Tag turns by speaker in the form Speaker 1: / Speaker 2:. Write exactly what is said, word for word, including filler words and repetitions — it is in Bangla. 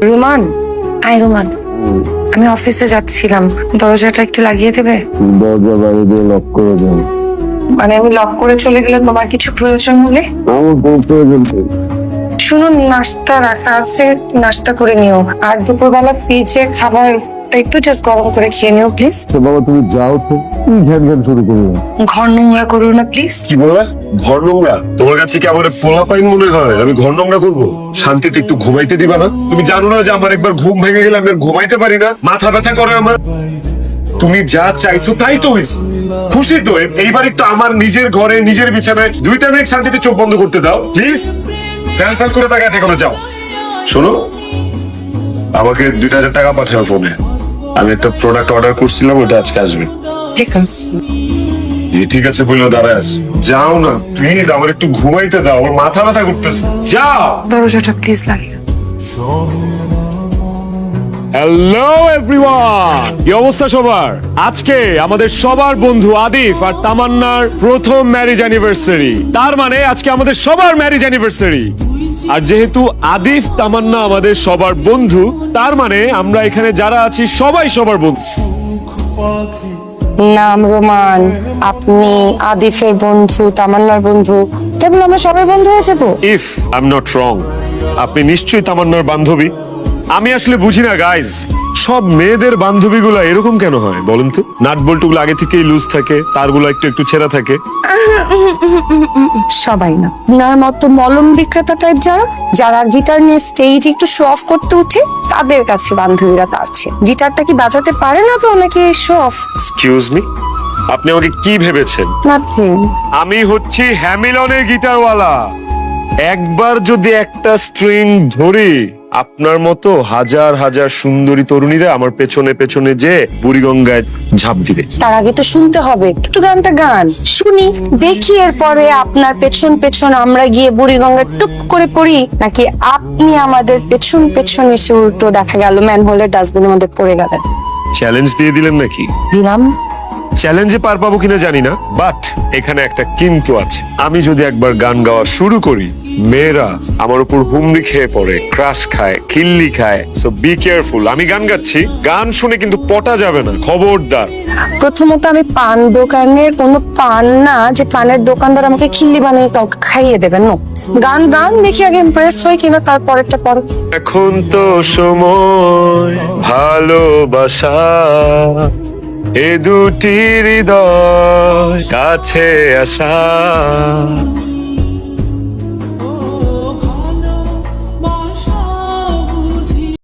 Speaker 1: রোমান, আই রোমান, আমি অফিসে যাচ্ছিলাম, দরজাটা একটু লাগিয়ে দেবে?
Speaker 2: দরজা বাইরে দিয়ে লক করে দেন।
Speaker 1: মানে আমি লক করে চলে গেলে তোমার কিছু প্রয়োজন হলে?
Speaker 2: আমার কোনো প্রয়োজন নেই।
Speaker 1: শুনুন, নাস্তা রাখা আছে, নাস্তা করে নিও। আর দুপুরবেলা ফ্রিজে খাবার একটু জাস্ট গরম করে খেয়ে নিও প্লিজ।
Speaker 2: তো বাবা তুমি যাও তো, তুমি ঘ্যান ঘ্যান শুরু করো না।
Speaker 1: ঘর নোংরা করো না প্লিজ।
Speaker 3: কি বললা? ঘর নোংরা? তোমার কাছে কি আমার পোলা পাইন মনে হয় আমি ঘর নোংরা করবো? শান্তিতে একটু ঘুমাইতে দিবা না? তুমি জানো না যে আমার একবার ঘুম ভেঙে গেলে আমি আর ঘুমাইতে পারি না, মাথা ব্যথা করে আমার। তুমি যা চাইছো তাই তো হইছে। খুশি তো? এইবার একটু আমার নিজের ঘরে নিজের বিছানায় দুইটা মিনিট শান্তিতে চোখ বন্ধ করতে দাও প্লিজ। ফ্যাল ফ্যাল করে তাকায় থেকো না, যাও। শোনো, আমাকে দুইটা হাজার টাকা পাঠাও ফোনে। আমি একটা প্রোডাক্ট অর্ডার করছিলাম, ওটা আজকে আসবে।
Speaker 1: ঠিক আছে।
Speaker 3: এই ঠিক আছে বললো, দাঁড়ায় আস। যাও না প্লিজ, আমার একটু ঘুমাইতে দাও, আমার মাথা ব্যথা করতেছে। যাও।
Speaker 1: দরজাটা প্লিজ লাগিয়ে।
Speaker 4: হ্যালো এভরিওয়ান, কি অবস্থা সবার? আজকে আমাদের সবার বন্ধু আদিফ আর তামান্নার প্রথম ম্যারেজ অ্যানিভার্সারি। তার মানে আজকে আমাদের সবার ম্যারেজ অ্যানিভার্সারি। আর যেহেতু আদিফ তামান্না আমাদের সবার বন্ধু, তার মানে আমরা এখানে যারা আছি সবাই সবার বন্ধু।
Speaker 1: নাম রোমান, আপনি আদিফের বন্ধু, তামান্নার বন্ধু, তাই বলে আমরা সবাই বন্ধু হয়ে যাবো?
Speaker 4: If I am not wrong, আপনি নিশ্চয়ই তামান্নার বান্ধবী। আমি আসলে বুঝি না গাইজ, সব মেয়েদের বান্ধবীগুলো এরকম কেন হয় বলেন তো? নাট বল্টুগুলো আগে থেকেই লুজ থাকে, তারগুলো একটু একটু ছেঁড়া থাকে।
Speaker 1: সবাই না, আপনার মতো মলম বিক্রেতা টাইপ যারা যারা গিটার নিয়ে স্টেজে একটু শো অফ করতে উঠে, তাদের কাছে বান্ধবীরা তারছে। গিটারটা কি বাজাতে পারে না তো ওনাকে শো অফ?
Speaker 4: এক্সকিউজ মি, আপনি আমাকে কি ভেবেছেন?
Speaker 1: নাথিং।
Speaker 4: আমি হচ্ছি হ্যামিলনের গিটারওয়ালা। একবার যদি একটা স্ট্রিং ধরি, আপনার মতো হাজার হাজার সুন্দরী তরুণীরা আমার পেছনে পেছনে যে বুড়িগঙ্গায় ঝাঁপ দিবে।
Speaker 1: তার আগে তো শুনতে হবে একটু গানটা, গান শুনি, দেখি এরপরে আপনার পেছন পেছন আমরা গিয়ে বুড়িগঙ্গা টুপ করে পড়ি, নাকি আপনি আমাদের পেছন পেছন এসে উল্টো দেখা গেল ম্যানহোলের ডাস্টবিনের মধ্যে পড়ে গেলেন।
Speaker 4: চ্যালেঞ্জ দিয়ে দিলেন নাকি?
Speaker 1: দিলাম।
Speaker 4: চ্যালেঞ্জে পার পাবো কিনা জানি না, বাট এখানে একটা কিন্তু আছে। আমি যদি একবার গান গাওয়া শুরু করি, মেয়েরা আমার উপর হুমড়ি খেয়ে পড়ে, ক্রাশ খায়, খিল্লি খায়। So be careful. আমি গান গাচ্ছি, গান শুনে কিন্তু পটা যাবে না, খবরদার।
Speaker 1: প্রথমত আমি পান দোকানের কোনো পান না যে পানের দোকানদার আমাকে খিল্লি বানিয়ে কাউকে খাইয়ে দেবেন। নো, গান গান দেখি আগে ইমপ্রেস হয় কিনা, তারপরেরটা পরে।
Speaker 4: এখন তো সময় ভালোবাসা, এ দুটি হৃদয় কাছে আসা।